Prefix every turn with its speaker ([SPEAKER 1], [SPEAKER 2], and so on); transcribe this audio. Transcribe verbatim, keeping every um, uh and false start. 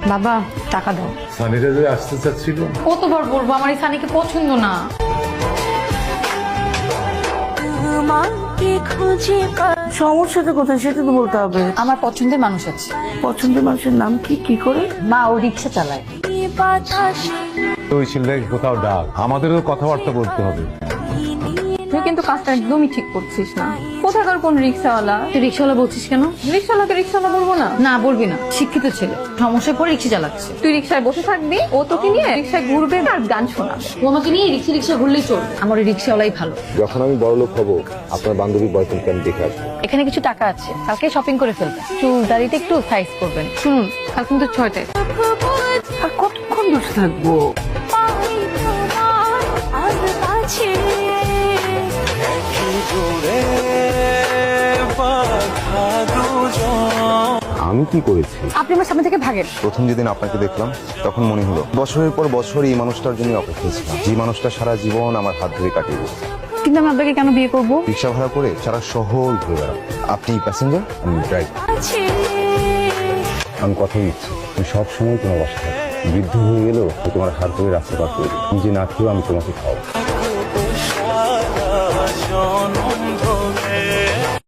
[SPEAKER 1] বাবা টাকা দাও।
[SPEAKER 2] সানিরা যে আসতে চাচ্ছিল।
[SPEAKER 1] কতবার বলবো আমার এই সানিকে পছন্দ না।
[SPEAKER 3] সমস্যাটা কোথায় সেটা তো বলতে হবে।
[SPEAKER 1] আমার পছন্দের মানুষ আছে।
[SPEAKER 3] পছন্দের মানুষের নাম কি? কি করে?
[SPEAKER 1] মা ও রিক্সা চালায়।
[SPEAKER 2] ওই ছেলেটাকে কোথাও ডাক, আমাদেরও কথাবার্তা বলতে হবে।
[SPEAKER 4] তুই কিন্তু কাজটা একদমই ঠিক করছিস না। কোথাকার কোন রিক্সাওয়ালা?
[SPEAKER 1] তুই রিক্সাওয়ালা বলছিস কেন?
[SPEAKER 4] রিক্সাওয়ালাকে রিক্সাওয়ালা বলবো না?
[SPEAKER 1] না বলবি না, শিক্ষিত ছেলে, সমস্যায় পড়ে রিক্সা চালাচ্ছে।
[SPEAKER 4] তুই রিক্সায় বসে থাকবি, ও তোকে নিয়ে রিক্সায় ঘুরবে আর গান শোনাবে।
[SPEAKER 1] ও আমাকে নিয়ে রিক্সা রিক্সা ঘুরলেই চলবে। আমার ওই রিক্সাওয়ালাই ভালো।
[SPEAKER 5] যখন আমি বড়লোক হব আপনার বান্ধবী বয়ফ্রেন্ডকে আমি দেখে আসবো।
[SPEAKER 1] এখানে কিছু টাকা আছে, কালকে শপিং করে ফেলবে। চুল দাড়িতে একটু সাইজ করবেন।
[SPEAKER 4] শুনুন, কাল কিন্তু ছয়টায়।
[SPEAKER 3] আর কতক্ষণ বসে থাকবো?
[SPEAKER 5] আমি কি করেছি?
[SPEAKER 1] আপনি আমার সামনে থেকে ভাগেন।
[SPEAKER 5] প্রথম যেদিন আপনাকে দেখলাম তখন মনে হলো বছরের পর বছর এই মানুষটার জন্য অপেক্ষা ছিলাম, যে মানুষটা সারা জীবন আমার হাত ধরে কাটিয়ে দিয়েছে।
[SPEAKER 1] কিন্তু আমি আপনাকে কেন বিয়ে করবো?
[SPEAKER 5] রিক্সা ভাড়া করে সারা শহর ঘুরে বেড়াবো। আপনি প্যাসেঞ্জার, আমি ড্রাইভার। আমি কথা দিচ্ছি তুমি সব সময় তোমার বাসা থাকবে। বৃদ্ধ হয়ে গেলেও আমি তোমার হাত ধরে রাস্তা পার করে নিজে না খেয়েও আমি তোমাকে খাওয়াবো।